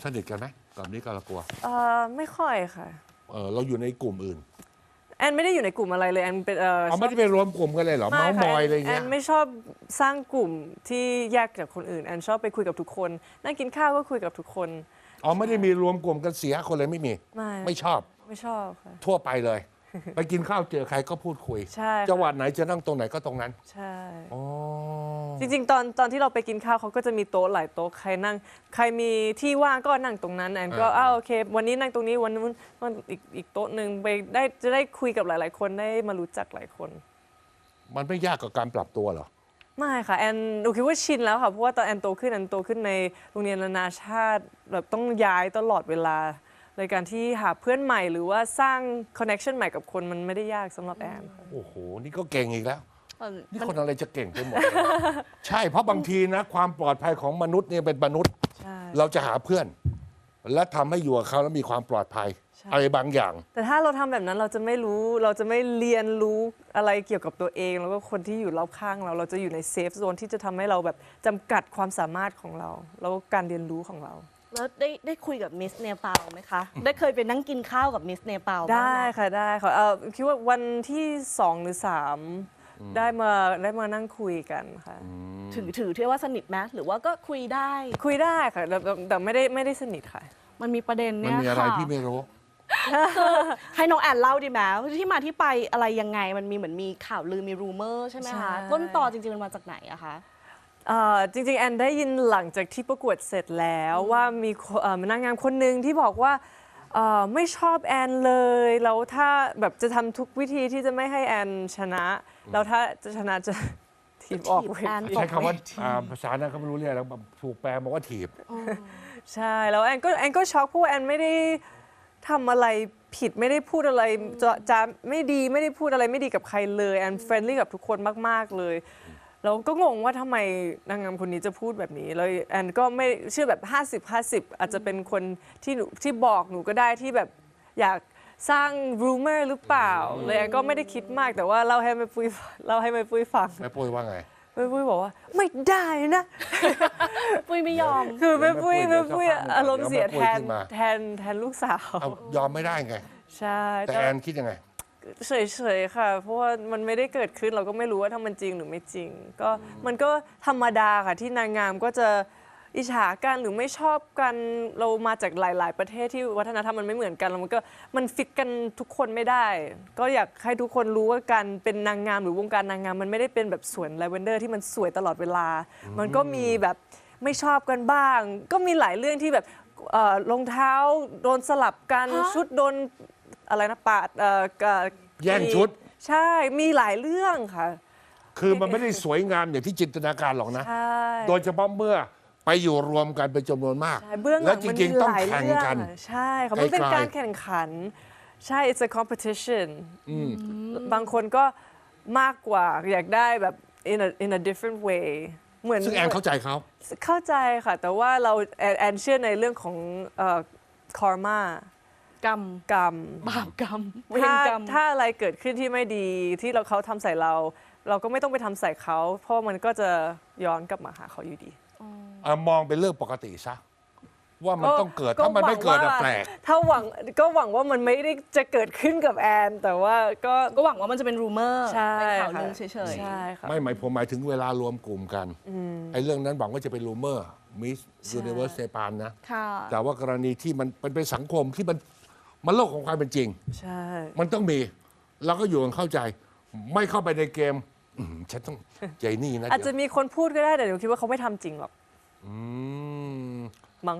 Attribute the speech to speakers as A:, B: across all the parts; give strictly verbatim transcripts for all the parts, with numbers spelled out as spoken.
A: สนิทกันไหมกับนิการากวัว
B: เอ่อไม่ค่อยค่ะ
A: เออเราอยู่ในกลุ่มอื่น
B: แอนไม่ได้อยู่ในกลุ่มอะไรเลยแอนเป็นเออ
A: เอาไม่ได้ไปรวมกลุ่มกันเลยเหรอเมาส์มอยอะไร
B: แอ
A: เงี้ย
B: นไม่ชอบสร้างกลุ่มที่แยกจากคนอื่นแอนชอบไปคุยกับทุกคนนั่งกินข้าวก็คุยกับทุกคน
A: อ๋อไม่ได้มีรวมกลุ่มกันเสียคนเลยไม่มี
B: ไม่
A: ไม่ชอบ
B: ไม่ชอบค่ะ
A: ทั่วไปเลย ไปกินข้าวเจอใครก็พูดคุย
B: ใช่ค่ะ
A: จังหวัดไหนจะนั่งตรงไหนก็ตรงนั้น
B: ใช่
A: อ๋อ
B: จริงๆตอนตอนที่เราไปกินข้าวเขาก็จะมีโต๊ะหลายโต๊ะใครนั่งใครมีที่ว่างก็นั่งตรงนั้นแอนก็อ้าวโอเควันนี้นั่งตรงนี้วันนู้นวันอีกอีกโต๊ะหนึ่งไปได้จะได้คุยกับหลายๆคนได้มารู้จักหลายคน
A: มันไม่ยากกับการปรับตัวเหรอ
B: ไม่ค่ะแอนหนูคิดว่าชินแล้วค่ะเพราะว่าตอนแอนโตขึ้นแอนโตขึ้นในโรงเรียนนานาชาติแบบต้องย้ายตลอดเวลาในการที่หาเพื่อนใหม่หรือว่าสร้างคอนเนคชันใหม่กับคนมันไม่ได้ยากสำหรับแอนค่ะ
A: โอ้โหนี่ก็เก่งอีกแล้ว
C: เออ
A: นี่
C: มัน
A: คนอะไรจะเก่งไปหมดเลย ใช่เพราะบางทีนะความปลอดภัยของมนุษย์เนี่ยเป็นมนุษย์
B: ใช่
A: เราจะหาเพื่อน และทำให้อยู่กับเขาแล้วมีความปลอดภัย
B: ใช่
A: อะไรบางอย่าง
B: แต่ถ้าเราทำแบบนั้นเราจะไม่รู้เราจะไม่เรียนรู้อะไรเกี่ยวกับตัวเอง แล้วก็คนที่อยู่รอบข้างเราเราจะอยู่ในเซฟโซนที่จะทำให้เราแบบจำกัดความสามารถของเรา แล้วก็การเรียนรู้ของเรา
C: แล้วได้ได้คุยกับมิสเนปาลไหมคะ ได้เคยไปนั่งกินข้าวกับมิสเนปาลบ้าง
B: ได้
C: ไหม
B: ค่ะได้ค่ะเออคิดว่าวันที่สองหรือสามได้มาได้มานั่งคุยกันค่ะ
C: ถือถือที่ว่าสนิทไหมหรือว่าก็คุยได้
B: คุยได้ค่ะแต่แต่แต่ไม่ได้ไม่ได้สนิทค่ะ
C: มันมีประเด็น
A: มัน
C: เนี่ย
A: มีอะไร
C: ค่ะ
A: พี่ไม่รู้
C: ให้น้องแอนเล่าดีไหมที่มาที่ไปอะไรยังไงมันมีเหมือนมีข่าวลือมีรูเมอร์ใช่ไหม
B: ใช่
C: คะต้นตอจริงๆมันมาจากไหนอะคะ
B: เอ่อจริงๆแอนได้ยินหลังจากที่ประกวดเสร็จแล้วว่ามีคนเอ่อนางงามคนหนึ่งที่บอกว่าเอ่อไม่ชอบแอนเลยแล้วถ้าแบบจะทำทุกวิธีที่จะไม่ให้แอนชนะแล้วถ้าจะชนะจะ ทีมออก
C: ถีบ
B: เว
C: แอน
B: ที
A: ใช้คำว่าอ่าภาษานั้นเขาไม่รู้เรื่องแล้วถูกแปลมาว่าถีบ
B: ใช่แล้วแอนก็แอนก็ช็อกเพราะว่าแอนไม่ได้ทำอะไรผิดไม่ได้พูดอะไรจะจะไม่ดีไม่ได้พูดอะไรไม่ดีกับใครเลยแอนเฟรนลี่กับทุกคนมากๆเลยแล้วก็งงว่าทำไมนางงามคนนี้จะพูดแบบนี้แล้วแอนก็ไม่เชื่อแบบ ห้าสิบ ห้าสิบ อาจจะเป็นคนที่หนูที่บอกหนูก็ได้ที่แบบอยากสร้างรูเมอร์หรือเปล่าเลยแอนก็ไม่ได้คิดมากแต่ว่าเล่าให้แม่ปุ้ยเล่าให้แม่ปุ้ยฟัง
A: แม่ปุ้ยว่าไง
B: แม่ปุ้ยบอกว่าไม่ได้นะ
C: ปุ้ยไม่ยอม
B: คือแม่ปุ้ย
A: เดี๋
B: แม่
A: ยว
B: ปุ้ย
A: สักพักหนึ่ง
B: อารมณ์เสีย
A: เดี๋
B: แท
A: ยวแม่ปุ้ย
B: น
A: ขึ้นมา
B: แทนแทนลูกสาว
A: เอายอมไม่ได้ไง
B: ใช่
A: แต่แอนคิดยังไง
B: เฉยๆค่ะ เพราะว่ามันไม่ได้เกิดขึ้นเราก็ไม่รู้ว่าถ้ามันจริงหรือไม่จริง ก็มันก็ธรรมดาค่ะที่นางงามก็จะอิจฉากันหรือไม่ชอบกันเรามาจากหลาย ๆ ประเทศที่วัฒนธรรมมันไม่เหมือนกันแล้วมันก็มันฟิตกันทุกคนไม่ได้ ก็อยากให้ทุกคนรู้ว่าการเป็นนางงามหรือวงการนางงามมันไม่ได้เป็นแบบสวนลาเวนเดอร์ที่มันสวยตลอดเวลา มันก็มีแบบไม่ชอบกันบ้าง ก็มีหลายเรื่องที่แบบเอ่อรองเท้าโดนสลับกัน
C: ฮะ
B: ชุดโดนอะไรนะปาดเอ่อกะ
A: แย่งชุด
B: ใช่มีหลายเรื่องค่ะ
A: คือมันไม่ได้สวยงามอย่างที่จินตนาการหรอกนะ
B: ใช่
A: โดยเฉพาะเมื่อไปอยู่รวมกันเป็นจำนวนมาก
B: ใช่เบื้องห
A: แล้
B: ลั
A: ว
B: ง
A: จ
B: มัน
A: ริง
B: มี
A: ๆ ต้อง
B: หลาย
A: แข่ง
B: เรื่อง
A: กัน
B: อะใช่ค่ะมันเป็น
A: ไกลๆ
B: การแข่งขัน ใช่ it's a competition บางคนก็มากกว่าอยากได้แบบ in a in a different way เหมือน
A: ซึ่งแอนเข้าใจเขา
B: เข้าใจค่ะ แต่ว่าเราแอนแอนเชื่อในเรื่องของเอ่อ karma
C: กรรม
B: กรรม
C: บาปกรรมเวร
B: ถ้าก
C: รรม
B: ถ้าอะไรเกิดขึ้นที่ไม่ดีที่เราเขาทำใส่เรา เราก็ไม่ต้องไปทำใส่เขา เพราะมันก็จะย้อนกลับมาหาเขาอยู่ดี
A: อ่ะมองเป็นเรื่องปกติซะว่ามันต้องเกิดถ้ามันไม่เกิดอะ
B: หวังว่า
A: แปลก
B: ถ้าหวังก็หวังว่ามันไม่ได้จะเกิดขึ้นกับแอน แต่ว่าก็
C: ก็หวังว่ามันจะเป็นรูเมอร์
B: ใช่
C: เป็นข่าวลือ
B: ค่ะ
C: เฉย
B: ใช่ค่ะ
A: ไม่หมายผมหมายถึงเวลารวมกลุ่มกันไอ้เรื่องนั้นหวังว่าจะเป็นรูเมอร์มิสยูนิเวอร์สเซปานนะ
C: ๆ ค่ะ
A: แต่ว่ากรณีที่มันมันเป็นสังคมที่มันมันโลกของความเป็นจริง
B: ใช่
A: มันต้องมีเราก็อยู่กันเข้าใจ ไม่เข้าไปในเกมอืมฉันต้องใจนี่นะ
B: อาจจะ
A: เดี๋ยว
B: มีคนพูดก็ได้แต่หนูคิดว่าเขาไม่ทำจริงหรอก
A: อืม
B: มั้ง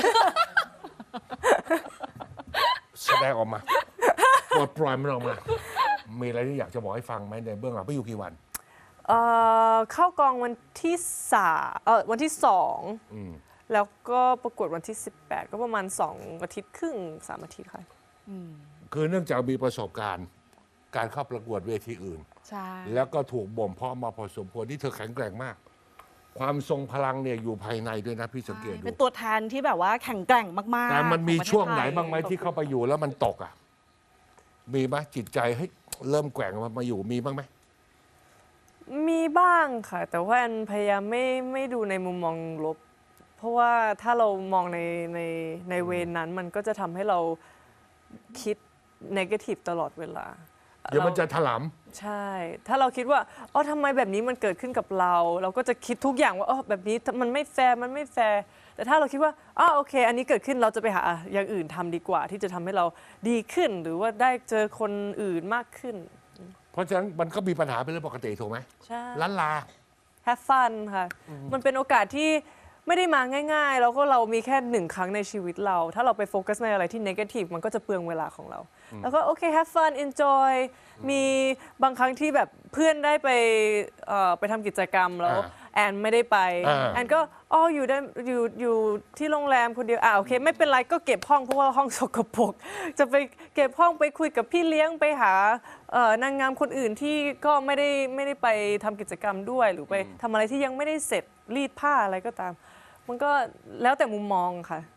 A: แสดงออกมาปลดปล่อยมันออกมา มีอะไรที่อยากจะบอกให้ฟังไหมในเบื้องหลังไปอยู่กี่วัน
B: เอ่อเข้ากองวันที่สามเออวันที่สอง
A: อืม
B: แล้วก็ประกวดวันที่สิบแปดก็ประมาณสองอาทิตย์ครึ่งสามอาทิตย์ค่ะ
A: คือเนื่องจากมีประสบการณ์ การเข้าประกวดเวทีอื่น
C: ใช่
A: แล้วก็ถูกบ่มเพาะมาพอสมควรที่เธอแข็งแกร่งมาก ความทรงพลังเนี่ยอยู่ภายในด้วยนะพี่สังเกตดู
C: เป็นตัวแทนที่แบบว่าแข็งแกร่งมากๆ
A: แต่มันมี
C: ของประเทศ
A: ช่วงไหน
C: ทย
A: บ้างไหมที่เข้าไปอยู่แล้วมันตกอ่ะ มีไหมจิตใจเฮ้ยเริ่มแกว่งมามาอยู่มีบ้างไหม
B: มีบ้างค่ะ แต่ว่าแอนพยายามไม่ไม่ดูในมุมมองลบเพราะว่าถ้าเรามองในในในเวรนั้นมันก็จะทำให้เราคิด negative ตลอดเวลา
A: เดี๋ยวมันจะถล
B: ใช่ ถ้าเราคิดว่าอ๋อทำไมแบบนี้มันเกิดขึ้นกับเรา เราก็จะคิดทุกอย่างว่าอ๋อแบบนี้มันไม่แฟร์มันไม่แฟร์แต่ถ้าเราคิดว่าอ๋อโอเค อันนี้เกิดขึ้นเราจะไปหาอย่างอื่นทำดีกว่า ที่จะทำให้เราดีขึ้น หรือว่าได้เจอคนอื่นมากขึ้น
A: ำเพราะฉะนั้นมันก็มีปัญหาเป็นเรื่องปกติถูกไหม
B: ใช่
A: ล้านลา
B: have fun ค่ะ มันเป็นโอกาสที่ไม่ได้มาง่ายๆ แล้วก็เรามีแค่หนึ่งครั้งในชีวิตเรา ถ้าเราไปโฟกัสในอะไรที่ negative มันก็จะเปลืองเวลาของเรา แล้วก็โอเค have fun enjoy มีบางครั้งที่แบบเพื่อนได้ไปเอ่อไปทำกิจกรรมแล้ว
A: อ่า
B: แอนไม่ได้ไป
A: อ่า
B: แอนก็อ๋ออยู่ได้อยู่อยู่ที่โรงแรมคนเดียวอ่าโอเค ไม่เป็นไรก็เก็บห้องเพราะว่าห้องสกปรกจะไปเก็บห้องไปคุยกับพี่เลี้ยงไปหาเอ่อนางงามคนอื่นที่ก็ไม่ได้ไม่ได้ไปทำกิจกรรมด้วย หรือไปทำอะไรที่ยังไม่ได้เสร็จรีดผ้าอะไรก็ตาม มันก็แล้วแต่มุมมองค่ะ